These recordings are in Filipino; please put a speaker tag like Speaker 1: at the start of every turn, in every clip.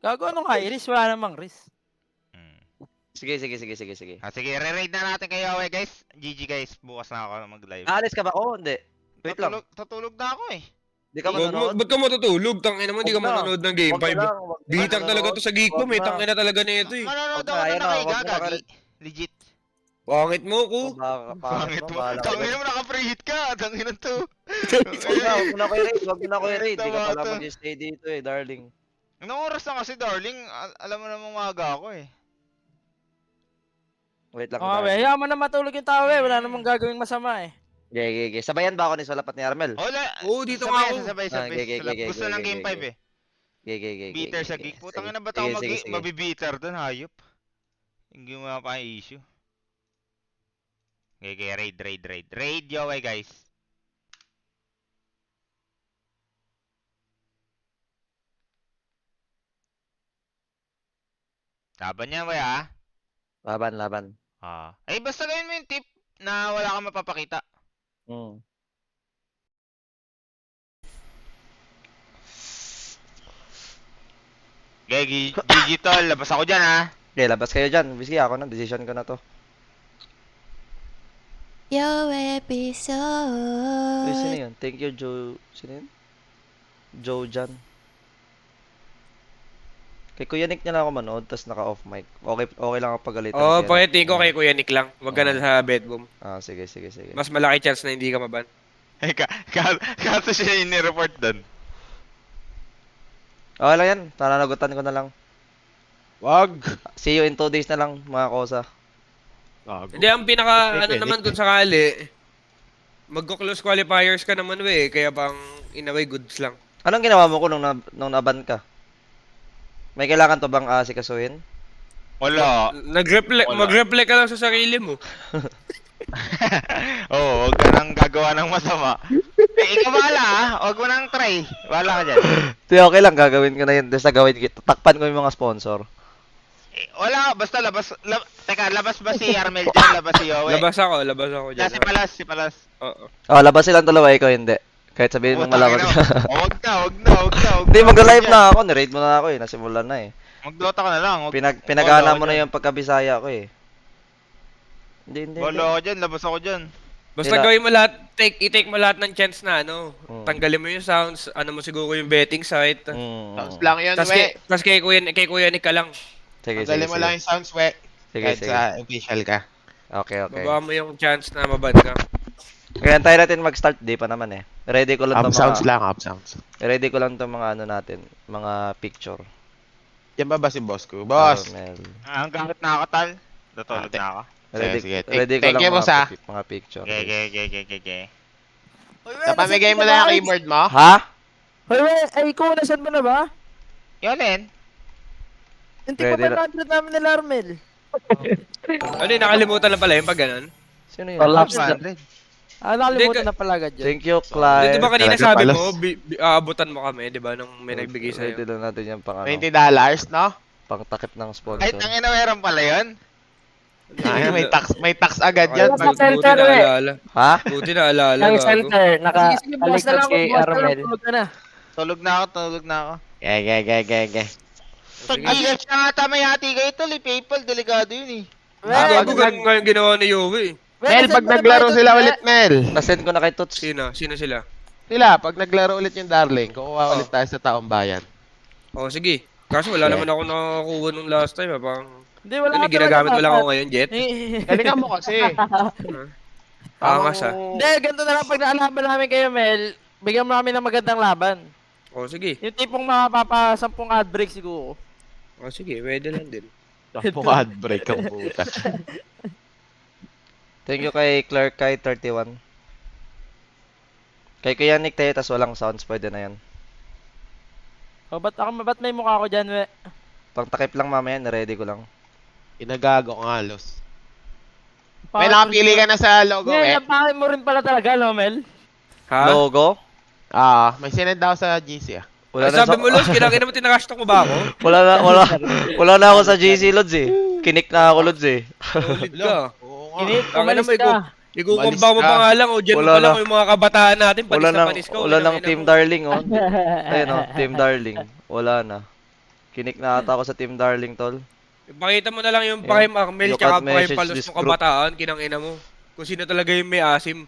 Speaker 1: Gago anong high risk? Wala namang risk.
Speaker 2: Hmm.
Speaker 3: Sige.
Speaker 2: Sige, re-raid na natin kayo, guys. GG guys, bukas na ako mag-live.
Speaker 3: Aalis ka ba? Oo, hindi. Wait lang.
Speaker 2: Tutulog na ako eh.
Speaker 3: Di ka manonood?
Speaker 4: Ba't ka matutulog? Tangina mo, hindi ka
Speaker 3: Huwag na.
Speaker 4: manonood ng Game
Speaker 3: Wag ka
Speaker 4: 5.
Speaker 3: lang.
Speaker 4: Bitag talaga to sa Geek
Speaker 3: Wag
Speaker 4: Bomb, may
Speaker 3: na.
Speaker 4: tangina talaga na ito eh.
Speaker 2: Manonood
Speaker 3: Wag na,
Speaker 2: ako
Speaker 3: ayun
Speaker 2: na
Speaker 3: na,
Speaker 2: kay
Speaker 3: wag na
Speaker 2: Gagagi. Legit.
Speaker 4: Pangit mo ko.
Speaker 2: Pangit mo. Tangina mo, naka-preheat ka. Tangina to.
Speaker 3: Wag mo na ko i-raid. Wag mo na ko i-raid. Di ka
Speaker 2: Tama
Speaker 3: pala
Speaker 2: to.
Speaker 3: mag-stay dito eh, darling.
Speaker 2: Anong oras na kasi, darling? Alam mo namang maaga ako eh.
Speaker 3: Wait lang,
Speaker 1: Oh,
Speaker 3: darling.
Speaker 1: hayaan mo na matulog yung tao eh. Wala namang gagawing masama eh.
Speaker 3: Gege. Sabayan ba ako ni Solapat ni Armel?
Speaker 2: Hola.
Speaker 4: Oo, dito nga ako.
Speaker 2: Sabay. Gusto ng Game 5 eh.
Speaker 3: Gege.
Speaker 2: Beater sa geek. Putang ina, ba't ako mabibitter doon, hayop? Hindi mo pa issue. Okay, raid. Raid, yoway guys. Laban niya, way ah.
Speaker 3: Laban.
Speaker 2: Basta gawin mo yung tip na wala kang mapapakita. Okay, digital, labas ako dyan ha.
Speaker 3: Okay, labas kayo dyan. Bisky, ako na. Decision ko na to.
Speaker 5: Your
Speaker 3: Uy, sino
Speaker 5: episode.
Speaker 3: yun? Thank you, Joe. Sino yun? Joe Jan. Kay Kuya Nick niya lang ako manood, tapos naka-off mic. Okay lang ako pagalitan.
Speaker 4: Oo, pakitin ko kay Kuya Nick lang. Huwag ka na sa bedroom.
Speaker 3: Sige.
Speaker 4: Mas malaki chance na hindi ka maban.
Speaker 2: Kaso siya yung nireport doon.
Speaker 3: Okay lang yan. Nananagutan ko na lang.
Speaker 6: Wag.
Speaker 3: See you in 2 days na lang, mga kosa.
Speaker 4: Hindi, ang pinaka, ano naman kung sakali, magko-close qualifiers ka naman kaya bang in a way goods lang.
Speaker 3: Anong ginawa mo ko nung naban ka? May kailangan to bang asikasuhin?
Speaker 2: Wala.
Speaker 4: Mag-reflect ka lang sa sarili mo.
Speaker 2: Oo, huwag ka nang gagawa ng masama. Ikaw bahala ha. Huwag mo nang try. Bahala ka dyan.
Speaker 3: Okay lang, gagawin ko na yun. Tapos gagawin ko, takpan ko yung mga sponsor.
Speaker 2: Wala, basta labas. Teka, labas ba si Armel dyan? Labas si Yowie?
Speaker 4: Labas ako dyan.
Speaker 2: Si Palas.
Speaker 4: Oo.
Speaker 3: Labas silang dalawa, ikaw hindi. Kahit sabihin mong malakas ka.
Speaker 2: Huwag na.
Speaker 3: Hindi, mag-live na ako. Ni-raid mo na ako eh. Nasimulan na eh.
Speaker 2: Mag-dota ka na lang.
Speaker 3: Pinag-ana mo na yung pagkabisaya ko eh. Hindi.
Speaker 2: Wala ako dyan, labas ako dyan.
Speaker 4: Basta gawin mo lahat, i-take mo lahat ng chance na tanggalin mo yung sounds, mo siguro yung betting site.
Speaker 6: Sounds lang yun,
Speaker 4: Tas kay Kuya Nick ka lang.
Speaker 3: Sige.
Speaker 6: Magaling mo lang yung sounds, we. Kahit
Speaker 3: Sige.
Speaker 6: sa official ka.
Speaker 3: Okay.
Speaker 4: Baba mo yung chance na maban ka.
Speaker 3: Kaya tayo natin mag-start. Di pa naman eh. Ready ko lang
Speaker 6: Up
Speaker 3: to
Speaker 6: sounds
Speaker 3: mga...
Speaker 6: lang, up sounds.
Speaker 3: Ready ko lang to mga ano natin. Mga picture.
Speaker 6: Yan ba si boss ko? Boss!
Speaker 3: Armel.
Speaker 2: Hanggang nakakatal. Tutulog na ako.
Speaker 6: Sige.
Speaker 3: Ready ko
Speaker 6: Thank
Speaker 3: lang
Speaker 6: you, boss, ah.
Speaker 3: mga picture.
Speaker 2: Okay.
Speaker 6: Napamigay mo na yung keyboard mo?
Speaker 3: Ha?
Speaker 1: Hoy, ikaw nasan mo na ba?
Speaker 2: Yolin.
Speaker 1: Hindi pa
Speaker 3: Ready
Speaker 1: ba namin nila Armel?
Speaker 4: Nakalimutan na pala yung pag ganun.
Speaker 3: Sino yun?
Speaker 1: Collapse
Speaker 3: Ah,
Speaker 1: na. Nakalimutan na pala agad yun.
Speaker 3: Thank you,
Speaker 4: Di
Speaker 3: Clive.
Speaker 4: ba kanina
Speaker 6: Talaga
Speaker 4: sabi
Speaker 6: pala.
Speaker 4: mo, aabutan mo kami, di ba, nung may nagbigay sa'yo.
Speaker 3: Ready lang natin yan pang ano.
Speaker 6: $20, no?
Speaker 3: Pang takip ng
Speaker 2: Ay,
Speaker 3: sponsor.
Speaker 2: tangina, meron pala yun.
Speaker 6: Ay, may tax agad yan.
Speaker 1: Sa
Speaker 4: Buti
Speaker 1: center,
Speaker 4: naalala.
Speaker 3: Ha?
Speaker 4: Buti naalala.
Speaker 1: Yung
Speaker 4: gago.
Speaker 1: center, Sige, bukas na lang
Speaker 3: kay Armel.
Speaker 2: Tulog na ako.
Speaker 6: Ge.
Speaker 2: Pag-igas na ata may hati kayo tol, PayPal, delikado yun eh.
Speaker 4: Gago, ganun nga yung ginawa ni Yowie.
Speaker 6: Mel, pag naglaro sila ulit, Mel.
Speaker 3: Nasend ko na kay Tots.
Speaker 4: Sino sila?
Speaker 6: Sila, pag naglaro ulit yung Darling, kukuha ulit tayo sa taong bayan.
Speaker 4: Oh, sige. Kaso wala naman ako nakakuha nung last time. Parang,
Speaker 1: Hindi, wala ka
Speaker 4: ginagamit mo
Speaker 1: talaga
Speaker 4: lang ako
Speaker 1: dapat.
Speaker 4: ngayon, Jet.
Speaker 6: Galingan mo kasi.
Speaker 4: Angas ah.
Speaker 1: Hindi, ganito na lang pag naalaban namin kayo, Mel. Bigyan mo namin ng magandang laban.
Speaker 4: Oh, sige.
Speaker 1: Yung tipong mapapasampung ad break siguro.
Speaker 4: Oh, sige. Pwede lang din.
Speaker 6: Tapos ad break ang puta.
Speaker 3: Thank you kay Clark kay 31. Kay Kuya Nick tayo, tas walang sounds. Pwede na yan.
Speaker 1: O, ba't may mukha ko dyan, we?
Speaker 3: Pang takip lang mamaya, ready ko lang.
Speaker 6: Inagago ko nga, Los. May nakapili ka na sa logo,
Speaker 1: Yeah,
Speaker 6: eh.
Speaker 1: napakit mo rin pala talaga, no, Mel?
Speaker 4: Ha?
Speaker 3: Logo?
Speaker 6: May sinend daw sa GC, ah.
Speaker 3: Wala
Speaker 4: Ay, sabi mo, Los, kinakina mo tinakastok mo ba ako?
Speaker 3: Wala na ako sa GC Lods eh. Kinik na ako Lods eh.
Speaker 4: Solid ka.
Speaker 6: Oo nga.
Speaker 1: Init,
Speaker 4: Ang
Speaker 1: umalis
Speaker 4: alam mo,
Speaker 1: ka.
Speaker 4: Ikukumba mo
Speaker 6: Balis ka.
Speaker 4: pa nga lang, o dyan mo
Speaker 3: Wala
Speaker 4: pa lang
Speaker 3: na.
Speaker 4: yung mga kabataan natin, panis na panis ka.
Speaker 3: Wala nang Team Darling oh. Ayun oh, Team Darling. Wala na. Kinik na ata ako sa Team Darling, tol.
Speaker 4: Ipakita mo na lang yung
Speaker 3: Yung
Speaker 4: Prime Armel
Speaker 3: look
Speaker 4: tsaka
Speaker 3: at
Speaker 4: Prime
Speaker 3: message
Speaker 4: Palos
Speaker 3: this
Speaker 4: ng
Speaker 3: group.
Speaker 4: kabataan, kinang ina mo. Kung sino talaga yung may asim.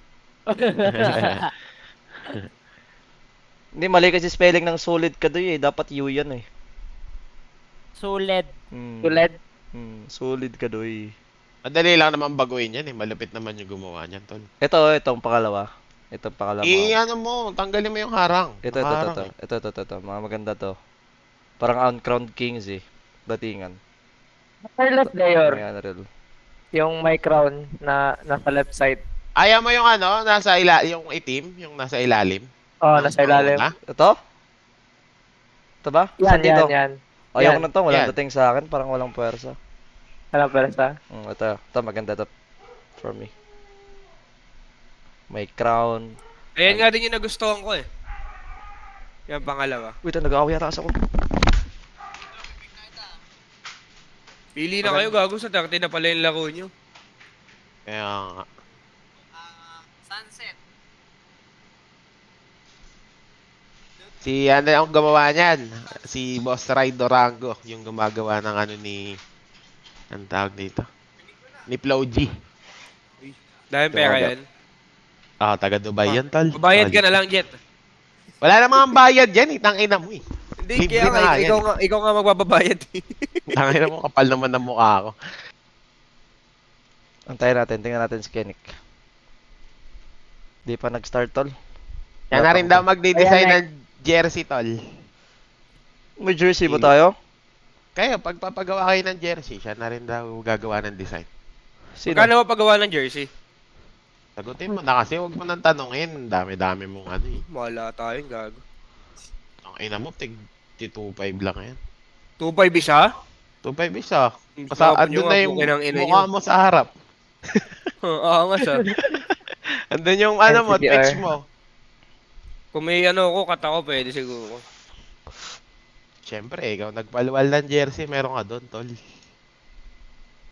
Speaker 3: Hindi, mali kasi spelling ng solid ka doy eh. Dapat U yan eh.
Speaker 1: Sulit.
Speaker 3: Hmm.
Speaker 1: Sulit.
Speaker 3: Solid ka doy.
Speaker 6: Madali lang naman baguhin yan eh. Malupit naman yung gumawa niyan, tol.
Speaker 3: Itong pangalawa. Itong pangalawa.
Speaker 6: Ano mo, tanggalin mo yung harang.
Speaker 3: Ito.
Speaker 6: Nakaharang eh.
Speaker 3: Ito. Mga maganda to. Parang Uncrowned Kings eh. Datingan.
Speaker 1: Carlos Dayor.
Speaker 3: May unreal.
Speaker 1: Yung my crown na nasa left side.
Speaker 6: Ayaw mo yung ano, yung itim, yung nasa ilalim.
Speaker 1: Oh, nasa ilalim.
Speaker 6: Una?
Speaker 3: Ito? Ito ba? Saan
Speaker 1: Yan,
Speaker 3: dito?
Speaker 1: yan.
Speaker 3: Ayaw ko
Speaker 1: Yan.
Speaker 3: na to. Walang
Speaker 6: Yan.
Speaker 3: dating sa akin. Parang walang puwersa.
Speaker 1: Ano persa?
Speaker 3: Ito. Ito, maganda to. For me. May crown.
Speaker 4: Ayan nga din yung nagustuhan ko eh. Yan pangalawa.
Speaker 3: Wait, nag-aaway yata kasi ako.
Speaker 4: Pili na kayo, gago, sa 30 na pala yung laro nyo.
Speaker 6: Kaya nga. Si ano yung gumawa niyan? Si Boss Ray Dorango, yung gumagawa ng ano ni... Ang tawag dito? Ni Flow G.
Speaker 4: Dahil pera yan.
Speaker 6: Ah, taga Dubai yan, tol.
Speaker 4: Babayad ka na lang, Jet.
Speaker 6: Wala namang bayad yan eh, tangina mo eh.
Speaker 4: Hindi,
Speaker 6: Libre
Speaker 4: kaya
Speaker 6: na
Speaker 4: nga,
Speaker 6: yan.
Speaker 4: ikaw nga magbabayad eh.
Speaker 6: Tangina mo, kapal naman ng mukha ko.
Speaker 3: Antayin natin. Tingnan natin si Kenik. Di pa nag-start, tol.
Speaker 6: Yan na rin daw magde-design ng jersey, tol.
Speaker 3: May jersey ba tayo?
Speaker 6: Kaya, pagpapagawa kayo ng jersey, siya na rin daw gagawa ng design.
Speaker 3: Sino?
Speaker 4: Kano mo paggawa ng jersey?
Speaker 6: Sagutin mo na kasi, huwag mo nang tanungin. Dami-dami mong ano eh.
Speaker 4: Wala tayong gago.
Speaker 6: Ang ina mo, tig 2.5 lang yan.
Speaker 4: 2.5 isa?
Speaker 6: 2.5 isa.
Speaker 4: Sa
Speaker 6: Andun na yung mukha mo sa harap.
Speaker 4: Oo nga siya.
Speaker 6: Andun yung ano mo,
Speaker 1: NCDR.
Speaker 6: text mo.
Speaker 4: Kung may ano ko, kata ko, pwede siguro.
Speaker 6: Siyempre, ikaw nagpaluwal ng jersey, meron ka doon, tol.